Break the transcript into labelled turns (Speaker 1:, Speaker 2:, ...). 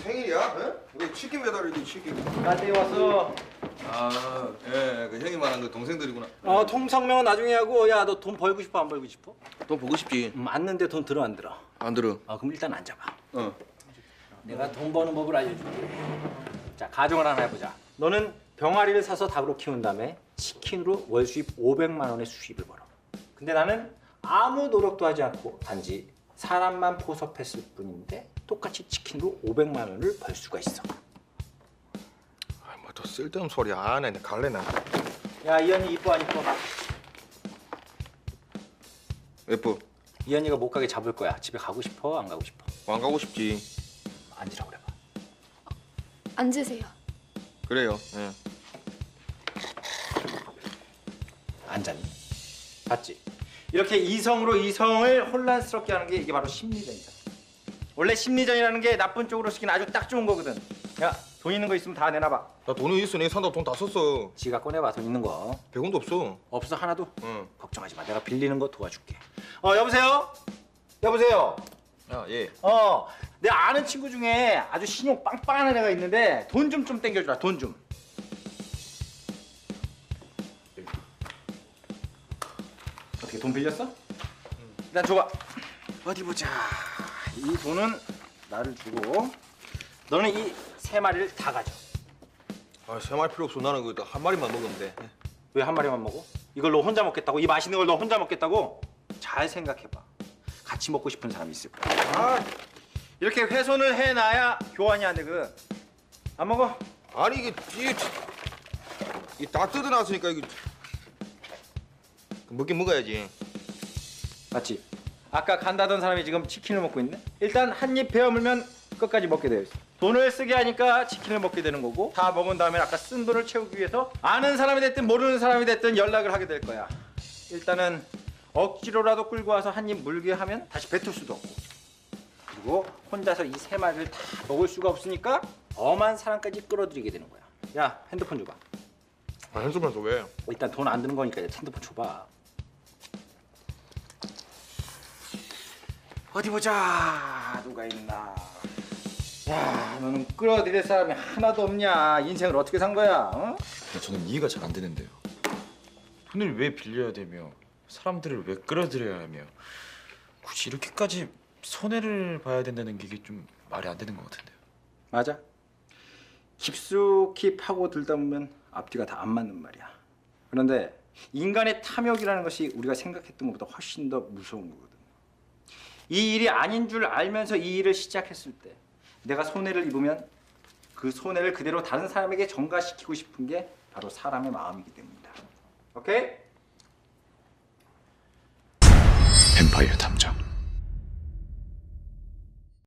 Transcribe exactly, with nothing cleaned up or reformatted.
Speaker 1: 생일이야? 어? 왜 치킨 배달이니 치킨?
Speaker 2: 나한테 왔어.
Speaker 1: 아, 예, 그 형이 말한 그 동생들이구나.
Speaker 2: 어, 통성명은 나중에 하고. 야, 너 돈 벌고 싶어 안 벌고 싶어?
Speaker 1: 돈 보고 싶지.
Speaker 2: 음, 앉는데 돈 들어 안 들어?
Speaker 1: 안 들어.
Speaker 2: 아, 그럼 일단 앉아봐.
Speaker 1: 어.
Speaker 2: 내가 돈 버는 법을 알려줄게. 자, 가정을 하나 해보자. 너는 병아리를 사서 닭으로 키운 다음에 치킨으로 월 수입 오백만 원의 수입을 벌어. 근데 나는 아무 노력도 하지 않고 단지 사람만 포섭했을 뿐인데 똑같이 치킨으로 오백만 원을 벌 수가 있어.
Speaker 1: 아, 뭐 더 쓸데없는 소리 안 해. 나 갈래 나.
Speaker 2: 야, 이현이 이뻐 안 이뻐?
Speaker 1: 예뻐.
Speaker 2: 이현이가 못 가게 잡을 거야. 집에 가고 싶어? 안 가고 싶어?
Speaker 1: 안 가고 싶지.
Speaker 2: 앉으라고 그래봐.
Speaker 3: 앉으세요.
Speaker 1: 그래요. 예.
Speaker 2: 앉았니? 봤지? 이렇게 이성으로 이성을 혼란스럽게 하는 게 이게 바로 심리전이다. 원래 심리전이라는 게 나쁜 쪽으로 쓰기는 아주 딱 좋은 거거든. 야, 돈 있는 거 있으면 다 내놔봐.
Speaker 1: 나 돈은 있어. 내 산다고 돈 다 썼어.
Speaker 2: 지가 꺼내봐, 돈 있는 거.
Speaker 1: 백 원도 없어.
Speaker 2: 없어, 하나도?
Speaker 1: 응.
Speaker 2: 걱정하지 마. 내가 빌리는 거 도와줄게. 어, 여보세요? 여보세요?
Speaker 1: 야, 예.
Speaker 2: 어, 내 아는 친구 중에 아주 신용 빵빵한 애가 있는데 돈 좀 좀 땡겨주라, 돈 좀. 어떻게 돈 빌렸어? 응. 일단 줘봐. 어디 보자. 이 돈은 나를 주고 너는 이 세 마리를 다 가져.
Speaker 1: 아, 세 마리 필요 없어. 나는 그 한 마리만 먹으면 돼.
Speaker 2: 왜 한 마리만 먹어? 이걸 너 혼자 먹겠다고? 이 맛있는 걸 너 혼자 먹겠다고? 잘 생각해봐. 같이 먹고 싶은 사람이 있을 거야. 아, 이렇게 훼손을 해놔야 교환이 안 되거든. 안 먹어?
Speaker 1: 아니 이게 이게 이다 뜯어놨으니까 이거 먹긴 먹어야지.
Speaker 2: 맞지? 아까 간다던 사람이 지금 치킨을 먹고 있네? 일단 한 입 베어물면 끝까지 먹게 되어 있어. 돈을 쓰게 하니까 치킨을 먹게 되는 거고 다 먹은 다음에 아까 쓴 돈을 채우기 위해서 아는 사람이 됐든 모르는 사람이 됐든 연락을 하게 될 거야. 일단은 억지로라도 끌고 와서 한 입 물게 하면 다시 뱉을 수도 없고 그리고 혼자서 이 세 마리를 다 먹을 수가 없으니까 엄한 사람까지 끌어들이게 되는 거야. 야, 핸드폰 줘봐.
Speaker 1: 아, 핸드폰에서 왜?
Speaker 2: 일단 돈 안 드는 거니까 핸드폰 줘봐. 어디 보자. 누가 있나. 야, 너는 끌어들일 사람이 하나도 없냐. 인생을 어떻게 산 거야? 어?
Speaker 4: 저는 이해가 잘 안 되는데요. 돈을 왜 빌려야 되며 사람들을 왜 끌어들여야 하며 굳이 이렇게까지 손해를 봐야 된다는 게 이게 좀 말이 안 되는 것 같은데요.
Speaker 2: 맞아. 깊숙이 파고 들다 보면 앞뒤가 다 안 맞는 말이야. 그런데 인간의 탐욕이라는 것이 우리가 생각했던 것보다 훨씬 더 무서운 거거든. 이 일이 아닌 줄 알면서 이 일을 시작했을 때 내가 손해를 입으면 그 손해를 그대로 다른 사람에게 전가시키고 싶은 게 바로 사람의 마음이기 때문이다. 오케이?
Speaker 4: 뱀파이어 탐정.